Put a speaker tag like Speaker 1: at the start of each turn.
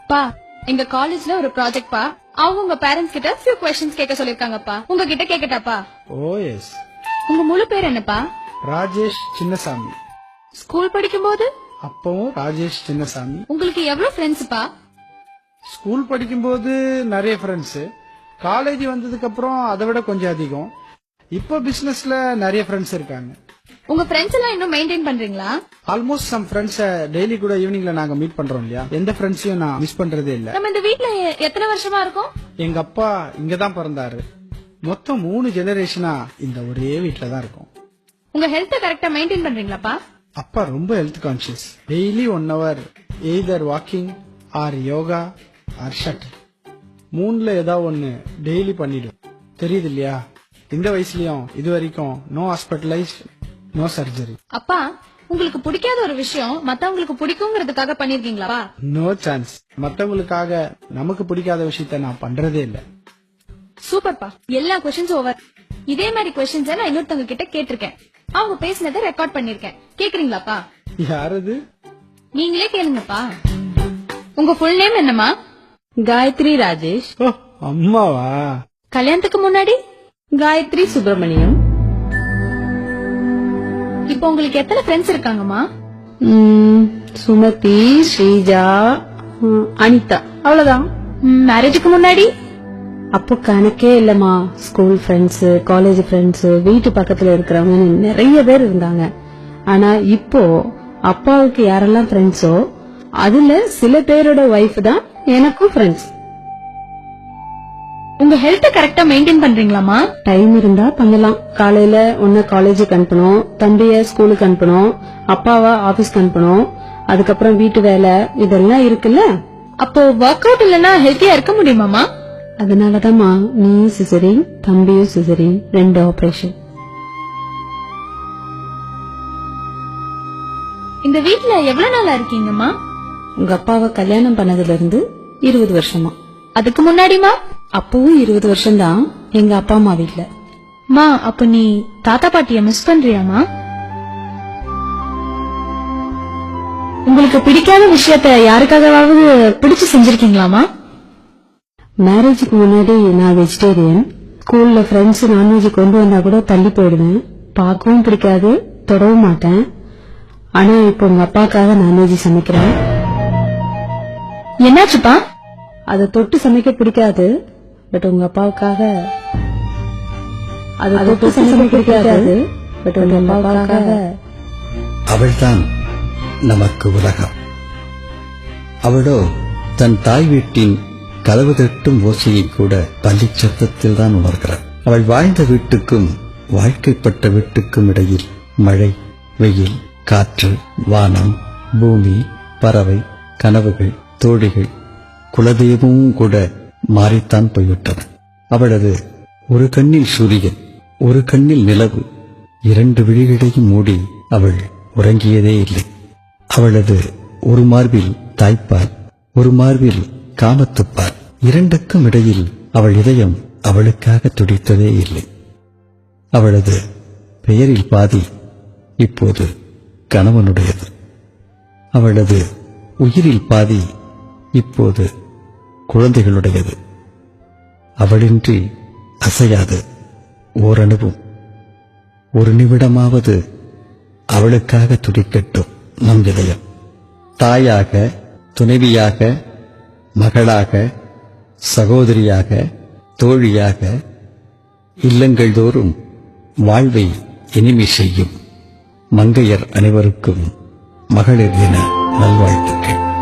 Speaker 1: பா எங்க காலேஜ்ல ஒரு ப்ராஜெக்ட் பா அவங்க உங்க பேரண்ட்ஸ் கிட்ட few questions கேட்க சொல்லிருக்காங்கப்பா. உங்ககிட்ட கேக்கட்டாப்பா?
Speaker 2: ஓ எஸ்.
Speaker 1: உங்க முழு பேர் என்னப்பா?
Speaker 2: ராஜேஷ் சின்னசாமி.
Speaker 1: ஸ்கூல் படிக்கும்போது
Speaker 2: அப்பவும் ராஜேஷ் சின்னசாமி.
Speaker 1: உங்களுக்கு எவ்வளவு ஃப்ரெண்ட்ஸ்ப்பா?
Speaker 2: ஸ்கூல் படிக்கும்போது நிறைய ஃப்ரெண்ட்ஸ், காலேஜ் வந்ததுக்கு அப்புறம் அதை விட கொஞ்சம் அதிகம். இப்போ பிசினஸ்ல நிறைய ஃப்ரெண்ட்ஸ் இருக்காங்க.
Speaker 1: உங்க ஃப்ரெண்ட்ஸ் எல்லாம் இன்னும் மெயின்டைன் பண்றீங்களா?
Speaker 2: ஆல்மோஸ்ட் சம் ஃப்ரெண்ட்ஸ் டெய்லி கூட ஈவினிங்ல நாங்க மீட் பண்றோம் இல்லையா, எந்த ஃப்ரெண்ட்ஸையும் நான் மிஸ் பண்றதே இல்ல.
Speaker 1: நம்ம இந்த வீட்ல எத்தனை வருஷமா இருக்கோம்?
Speaker 2: எங்க அப்பா இங்கதான் பிறந்தாரு. மொத்தம் 3 ஜெனரேஷனா இந்த ஒரே வீட்ல தான் இருக்கோம்.
Speaker 1: உங்க ஹெல்த் கரெக்டா மெயின்டைன் பண்றீங்களாப்பா?
Speaker 2: அப்பா ரொம்ப health conscious. Daily 1 hour either walking or yoga or shuttle, 3ல ஏதாவது ஒண்ணு டெய்லி பண்ணிடும். தெரியுது இல்லையா, இந்த வயசுலயும் இது வரைக்கும் நோ ஹாஸ்பிட்டலைஸ்ட், நோ சர்ஜரி.
Speaker 1: அப்பா உங்களுக்கு பிடிக்காத ஒரு விஷயம் மத்தவங்களுக்கு பிடிக்குங்கிறதுக்காக பண்ணிருக்கீங்களா?
Speaker 2: No chance. மத்தவங்களுக்காக நமக்கு பிடிக்காத விஷயத்த நான் பண்றதே இல்ல.
Speaker 1: சூப்பர்ப்பா, எல்லா கொஸ்டின்ஸ் ஓவர். இதே மாதிரி கொஸ்டின்ஸ் நான் இன்னொருத்தவங்க கிட்ட கேட்டிருக்கேன். அவங்க பேசினதை ரெக்கார்ட் பண்ணிருக்கேன். கேக்குறீங்களாப்பா?
Speaker 2: யாரது?
Speaker 1: நீங்களே கேளுங்கப்பா. உங்க ஃபுல் நேம் என்னமா?
Speaker 3: காயத்ரி ராஜேஷ்.
Speaker 2: ஓ அம்மாவா?
Speaker 1: கல்யாணத்துக்கு முன்னாடி
Speaker 3: காயத்ரி சுப்பிரமணியம்.
Speaker 1: இப்போ உங்களுக்கு எத்தனை ஃப்ரெண்ட்ஸ் இருக்காங்கம்மா?
Speaker 3: சுமதி, ஸ்ரீஜா, அனிதா, அவ்வளவுதான்.
Speaker 1: மேரேஜுக்கு முன்னாடி?
Speaker 3: அப்போ கணக்கே இல்லம்மா. ஸ்கூல் ஃப்ரெண்ட்ஸ், காலேஜ் ஃப்ரெண்ட்ஸ், வீட்டு பக்கத்துல இருக்கிறவங்க நிறைய பேர் இருந்தாங்க. ஆனா இப்போ அப்பாவுக்கு யாரெல்லாம் ஃப்ரெண்ட்ஸோ அதுல சில பேரோட ஒய்ஃப் தான் எனக்கும் ஃப்ரெண்ட்ஸ்.
Speaker 1: உங்க ஹெல்த் கரெக்டா மெயின்டைன் பண்றீங்களாமா?
Speaker 3: டைம் இருந்தா பண்ணலாம். காலையில ஒன்னு காலேஜுக்கு அனுப்பணும், தம்பிய ஸ்கூலுக்கு அனுப்பணும், அப்பாவா ஆபீஸ்க்கு அனுப்பணும், அதுக்கப்புறம் வீட்டு வேலை இதெல்லாம் இருக்குல்ல.
Speaker 1: அப்போ ஒர்க் அவுட் இல்லனா ஹெல்த்தியா இருக்க முடியுமாமா?
Speaker 3: அதனாலதான்மா நீ சிசரின், தம்பியும் சிசரின், 2 ஆபரேஷன்.
Speaker 1: இந்த வீட்ல எவ்வளவு நாளா இருக்கீங்கம்மா?
Speaker 3: உங்க அப்பாவை கல்யாணம் பண்ணதுல இருந்து 20 வருஷமா.
Speaker 1: அதுக்கு முன்னாடிமா?
Speaker 3: அப்பவும் 20 வருஷம் தான் எங்க அப்பா அம்மா வீட்ல.
Speaker 1: மா அப்ப நீ தாத்தா பாட்டிய மிஸ் பண்றியாமா? உங்களுக்கு பிடிக்காத விஷயத்த யாருக்காகவாவது பிடிச்சு செஞ்சிருக்கீங்களாமா?
Speaker 3: மேரேஜுக்கு முன்னாடி நான் வெஜிடேரியன். ஸ்கூல்ல ஃப்ரெண்ட்ஸ் நான்வெஜ் கொண்டு வந்தா கூட தள்ளி போயிடுவேன். பார்க்கவும் பிடிக்காது, தொடவும் மாட்டேன். ஆனா இப்போ உங்க அப்பாக்காக நான்வெஜ் சமைக்கிறேன்.
Speaker 1: என்னாச்சுப்பா?
Speaker 3: அதை தொட்டு சமைக்க பிடிக்காது, பட் உங்க அப்பாவுக்காக. அதை தொட்டு சமைக்க பிடிக்காது, பட் உங்க அப்பாவுக்காக.
Speaker 4: அவள்தான் நமக்கு உலகம். அவளோ தன் தாய் வீட்டின் கதவு தட்டும் ஓசையை கூட பள்ளிச் சத்தத்தில் தான் உணர்கிறாள். அவள் வாழ்ந்த வீட்டுக்கும் வாழ்க்கைப்பட்ட வீட்டுக்கும் இடையில் மழை, வெயில், காற்று, வானம், பூமி, பறவை, கனவுகள், தோழிகள், குலதெய்வமும் கூட மாறித்தான் போய்விட்டன. அவளது ஒரு கண்ணில் சூரியன், ஒரு கண்ணில் நிலவு, 2 விழிகளையும் மூடி அவள் உறங்கியதே இல்லை. அவளது ஒரு மார்பில் தாய்ப்பால், ஒரு மார்பில் காமத்துப்பால், 2க்கும் இடையில் அவள் இதயம் அவளுக்காக துடித்ததே இல்லை. அவளது பெயரில் பாதி இப்போது கணவனுடையது. அவளது உயிரில் பாதி இப்போது குழந்தைகளுடையது. அவளின்றி அசையாது ஓரணுவும். ஒரு நிமிடமாவது அவளுக்காக துடிக்கட்டும் நம் இதயம். தாயாக, துணைவியாக, மகளாக, சகோதரியாக, தோழியாக, இல்லங்கள் தோறும் வாழ்வை இனிமை செய்யும் மங்கையர் அனைவருக்கும் மகளிர் தின நல்வாழ்த்துக்கள்.